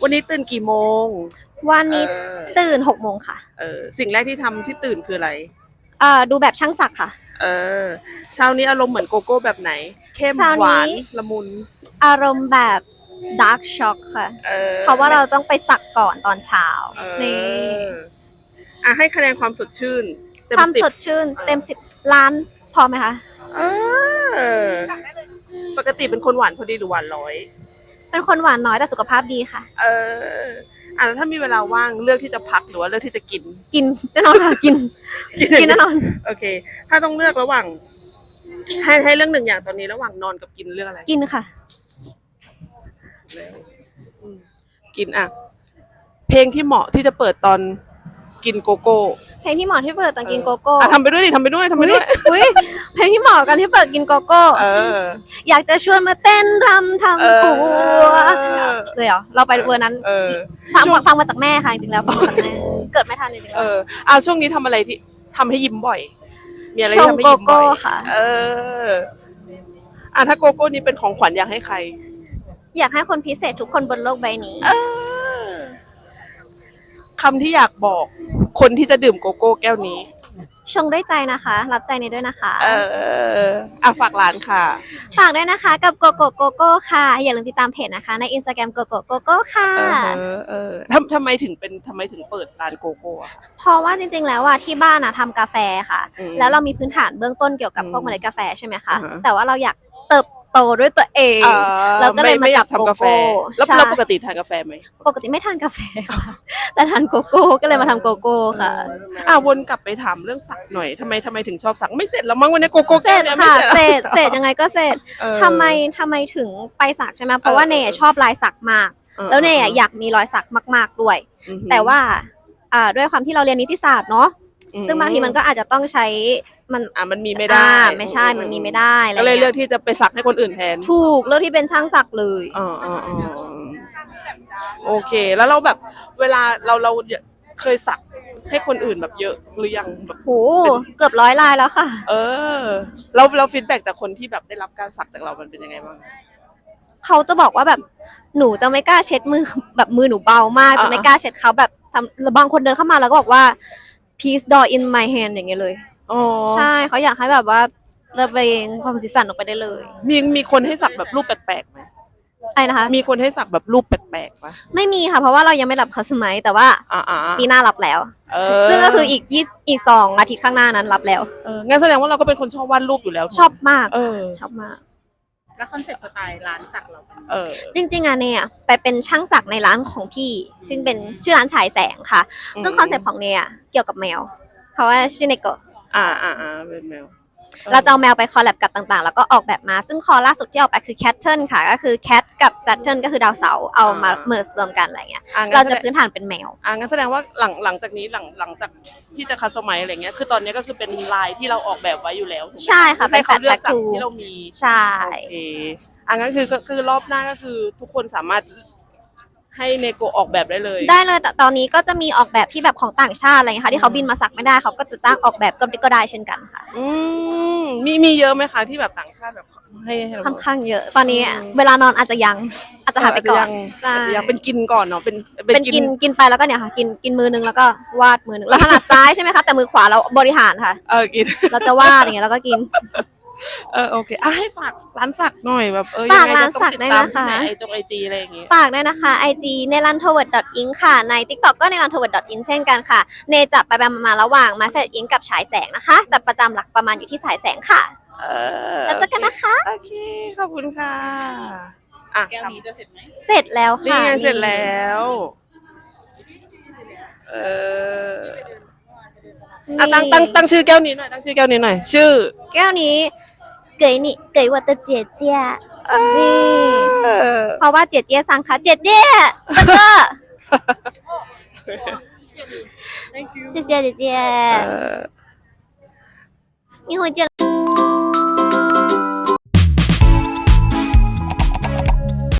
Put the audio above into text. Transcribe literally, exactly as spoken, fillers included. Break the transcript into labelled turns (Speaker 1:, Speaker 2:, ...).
Speaker 1: วันนี้ตื่นกี่โมง
Speaker 2: วันนี้
Speaker 1: เออ
Speaker 2: ตื่นหกโมงค่ะ
Speaker 1: เออสิ่งแรกที่ทำที่ตื่นคืออะไร
Speaker 2: เอ่อดูแบบช่างศักดิ์ค่ะ
Speaker 1: เออเช้านี้อารมณ์เหมือนโกโก้แบบไหนเข้ม
Speaker 2: เช้า
Speaker 1: หวา
Speaker 2: นี้
Speaker 1: นละมุน
Speaker 2: อารมณ์แบบดาร์กช็อกค่ะ
Speaker 1: เออ
Speaker 2: เพราะว่าเราต้องไปสักก่อนตอนเช้า
Speaker 1: เอ
Speaker 2: นี่
Speaker 1: ออ่ะให้คะแนนความสดชื่นเต็
Speaker 2: ความ
Speaker 1: มสิบ
Speaker 2: สดชื่นเต็มสิบล้านพอไหมคะ
Speaker 1: เออปกติเป็นคนหวานพอดีหรือหวานร้อย
Speaker 2: เป็นคนหวานน้อยแต่สุขภาพดีค่ะ
Speaker 1: เอออ่ะแล้วถ้ามีเวลาว่างเลือกที่จะพักหรือว่าเลือกที่จะกิน
Speaker 2: กินแน่นอนค่ะกินกินแน่นอน
Speaker 1: โอเคถ้าต้องเลือกระหว่างให้ให้เรื่องหนึ่งอย่างตอนนี้ระหว่างนอนกับกินเรื่องอะไร
Speaker 2: กินค่ะ
Speaker 1: อืมกินอ่ะเพลงที่เหมาะที่จะเปิดตอนกินโกโก้
Speaker 2: เพลงที่เหมาะที่เปิดตอนกินโกโก้
Speaker 1: อ่ะทำไปด้วยดิทำไปด้วยทำไปด้วย
Speaker 2: อุ้ยเพลงที่เหมาะกันที่เปิดกินโกโก้
Speaker 1: เออ
Speaker 2: อยากจะชวนมาเต้นรำทำผัวเลยเหรอเราไปเวอร์นั้น
Speaker 1: เออ
Speaker 2: ฟังฟังมาจากแม่ค่ะจริงๆแล้วฟังมาจากแม่เกิดไม่ทันจริงๆ
Speaker 1: เอ
Speaker 2: แล้ว
Speaker 1: ออ่ะช่วงนี้ทำอะไรที่ทำให้ยิ้มบ่อย มีอะไร
Speaker 2: ช
Speaker 1: ที่
Speaker 2: ง
Speaker 1: ทำให้
Speaker 2: โก
Speaker 1: ยิ้มบ่
Speaker 2: โก้
Speaker 1: อย
Speaker 2: ค่ะ
Speaker 1: เอออ่ะถ้าโกโก้นี้เป็นของขวัญอยากให้ใคร
Speaker 2: อยากให้คนพิเศษทุกคนบนโลกใบนี้
Speaker 1: เออคำที่อยากบอกคนที่จะดื่มโกโก้แก้วนี้
Speaker 2: ชงด้วยใจนะคะ รับใจนี้ด้วยนะคะ
Speaker 1: เอออ่ะฝากร้านค่ะ
Speaker 2: ฝากด้วยนะคะกับโกโก้โกโก้ค่ะอย่าลืมติดตามเพจนะคะใน Instagram โกโก้โกโก้ค่ะ
Speaker 1: เออเออทำทำไมถึงเป็นทำไมถึงเปิดร้านโกโก้อะ
Speaker 2: เพราะว่าจริงๆแล้วอ่ะที่บ้านอ่ะทำกาแฟค่ะ
Speaker 1: อืม
Speaker 2: แล้วเรามีพื้นฐานเบื้องต้นเกี่ยวกับพวก
Speaker 1: อืม
Speaker 2: เมล็ดกาแฟใช่ไหมคะ
Speaker 1: อ่าฮะ
Speaker 2: แต่ว่าเราอยากเติบโตด้วยตัวเอง
Speaker 1: อ่า
Speaker 2: เราก็เลย
Speaker 1: ไม่
Speaker 2: มา
Speaker 1: ไม่อยา
Speaker 2: จั
Speaker 1: ก
Speaker 2: บ
Speaker 1: ทำกาแฟ
Speaker 2: โกโก้
Speaker 1: แล้ว
Speaker 2: ใช่
Speaker 1: เราปกติทานกาแฟไหม
Speaker 2: ปกติไม่ทานกาแฟค่ะแต่ทานโกโก้ก็เลยมาทำโกโก้ค่ะ
Speaker 1: อ่ะวนกลับไปถามเรื่องสักหน่อยทำไมทำไมถึงชอบสักไม่เสร็จแล้วมั้งวันนี้โกโก้
Speaker 2: เสร็
Speaker 1: แก้ว
Speaker 2: จ
Speaker 1: เนี่ยไม่
Speaker 2: ค่ะ
Speaker 1: เสร็จ
Speaker 2: เสร็จเสร็จยังไงก็เสร็จ
Speaker 1: เออ
Speaker 2: ทำไมทำไมถึงไปสักใช่ไหมเพราะว่า
Speaker 1: เออ
Speaker 2: เนยชอบลายสักมาก
Speaker 1: เออ
Speaker 2: แล้วเนยอะอยากมีรอยสักมาก ๆด้วย
Speaker 1: อือหือ
Speaker 2: แต่ว่าอ่าด้วยความที่เราเรียนนิติศาสตร์เนาะ
Speaker 1: อืม
Speaker 2: ซึ่งบางทีมันก็อาจจะต้องใช้มัน
Speaker 1: อ่ะมันมีไม่ได้
Speaker 2: อ่าไม่ใช่มันมีไม่ได้อะไร
Speaker 1: ก็เลยเลือก
Speaker 2: งี้
Speaker 1: ที่จะไปสักให้คนอื่นแทน
Speaker 2: ถูกเลือกที่เป็นช่างสักเลย
Speaker 1: อ๋ออ๋ออ๋อโอเค แล้วเราแบบเวลาเราเราเคยสักให้คนอื่นแบบเยอะหรือยังแบบ
Speaker 2: โหเกือบร้อยลายแล้วค่ะ
Speaker 1: เออเราเราฟีดแบ็กจากคนที่แบบได้รับการสักจากเรามันเป็นยังไงบ้าง
Speaker 2: เขาจะบอกว่าแบบหนูจะไม่กล้าเช็ดมือแบบมือหนูเบามาก
Speaker 1: อ่า
Speaker 2: จะไม่กล้าเช็ดเขาแบบทำบางคนเดินเข้ามาแล้วก็บอกว่า please draw in my hand อย่างเงี้ยเลย
Speaker 1: อ๋อ
Speaker 2: ใช่เขาอยากให้แบบว่าระเบงความสีสันออกไปได้เลย
Speaker 1: มีมีคนให้สักแบบรูปแปลกๆไหม
Speaker 2: อะไรนะคะ
Speaker 1: มีคนให้สักแบบรูปแปลกๆปะ
Speaker 2: ไม่มีค่ะเพราะว่าเรายังไม่รับเขาสมัยแต่ว่า
Speaker 1: อ่าอ่า
Speaker 2: ปีหน้ารับแล้ว
Speaker 1: เออ
Speaker 2: ซึ่งก็คืออีกยี่อีกสองอาทิตย์ข้างหน้านั้นรับแล้ว
Speaker 1: เอองั้นแสดงว่าเราก็เป็นคนชอบวาดรูปอยู่แล้ว
Speaker 2: ชอบมาก
Speaker 1: เออ
Speaker 2: ชอบมาก
Speaker 3: แล้วคอนเซปต์สไตล์ร้านสักเรา
Speaker 1: เออ
Speaker 2: จริงๆอะเนี่ยไปเป็นช่างสักในร้านของพี่ ซึ่งเป็นชื่อร้านฉายแสงค่ะ
Speaker 1: อืม
Speaker 2: ซึ่งคอนเซ็ปต์ของเนี่ยเกี่ยวกับแมว เพราะว่าชื่อเนโกะ
Speaker 1: อ่าอ่าอ่าเป็นแมว
Speaker 2: เราจะเอาแมวไปคอลแลบกับต่างๆ แล้วก็ออกแบบมา ซึ่งคอล่าสุดที่ออกไปคือแคทเทิลค่ะ ก็คือแคทกับแซทเทิลก็คือดาวเสาร์เอามาเมิร์รวมกันอะไรเงี้ย
Speaker 1: อ่ะงั้น
Speaker 2: เรา
Speaker 1: แส
Speaker 2: จะ
Speaker 1: ดง
Speaker 2: พื้นฐานเป็นแมว
Speaker 1: อ่างั้นแสดงว่าหลังหลังจากนี้หลังหลังจากที่จะคัสตอมไมซ์อะไรเงี้ยคือตอนนี้ก็คือเป็นลายที่เราออกแบบไว้อยู่แล้วถูกไหม
Speaker 2: ใช่ค่ะ
Speaker 1: ให้เขาเลือก
Speaker 2: เป็น
Speaker 1: จาก
Speaker 2: tattoo
Speaker 1: ที่เรามี
Speaker 2: ใช่
Speaker 1: โอเคอ่ะงั้นคือก็คือรอบหน้าก็คือทุกคนสามารถให้เนโกออกแบบได้เลย
Speaker 2: ได้เลยแต่ตอนนี้ก็จะมีออกแบบที่แบบของต่างชาติอะไรเงี้ยค่ะที่เขาบินมาสักไม่ได้เขาก็จะจ้างออกแบบก็ก็ได้เช่นกันค่ะ
Speaker 1: อืมมีมีเยอะไหมคะที่แบบต่างชาติแบบให้ให้เรา
Speaker 2: ค่อนข้างเยอะ ตอนนี้
Speaker 1: อืม
Speaker 2: เวลานอนอาจจะยังอาจจะหายไปก่อน
Speaker 1: อาจจะยังอาจจะยังเป็นกินก่อนเนาะเป็น
Speaker 2: เป็นกินกินไปแล้วก็เนี่ยค่ะ กินกินมือนึงแล้วก็วาดมือนึงเราถนัดซ้ายใช่ไหมคะแต่มือขวาเราบริหารค่ะ
Speaker 1: เออกิน
Speaker 2: เราจะวาดอย่างเงี้ยแล้วก็กิน
Speaker 1: เออโอเคอ่ะให้ฝากร้านสักหน่อยแบบเออ
Speaker 2: ฝาก
Speaker 1: ยังไง
Speaker 2: ร้าน
Speaker 1: จะต้อง
Speaker 2: สัก
Speaker 1: ติด
Speaker 2: ด้วย
Speaker 1: ตาม
Speaker 2: นะคะ
Speaker 1: ที่ไหนไอจงไอจีอะไรอย่างงี้
Speaker 2: ฝากด้วยนะคะ ไอ จี เนลันโทเวิร์ด อิง ค่ะ ใน TikTok ก็ เนลันโทเวิร์ด อิง เช่นกันค่ะ เนจะไปๆมาๆระหว่างมาเฟดอิงกับฉายแสงนะคะ แต่ประจำหลักประมาณอยู่ที่ฉายแสงค่ะ
Speaker 1: เออ
Speaker 2: แล้วเจอกันนะคะ
Speaker 1: โอเคขอบคุณค่ะอ่ะ
Speaker 3: แก้วนี้จะเสร็จไหม
Speaker 2: เสร็จแล้ว
Speaker 1: นี่
Speaker 2: ค่ะ
Speaker 1: ไงเสร็จแล้วเอออ่ะตั้งตั้งตั้งชื่อแก้วนี้หน่อยตั้งชื่อแก้วนี้หน่อยชื่อ
Speaker 2: แก้วนี้เก๋นี่เก๋วัตเจียเจียนี่
Speaker 1: เออ
Speaker 2: เพราะว่าเจียเจียสั่งค่ะเจียเจียแล้วก็谢谢姐姐
Speaker 1: เออ
Speaker 2: 一会儿见了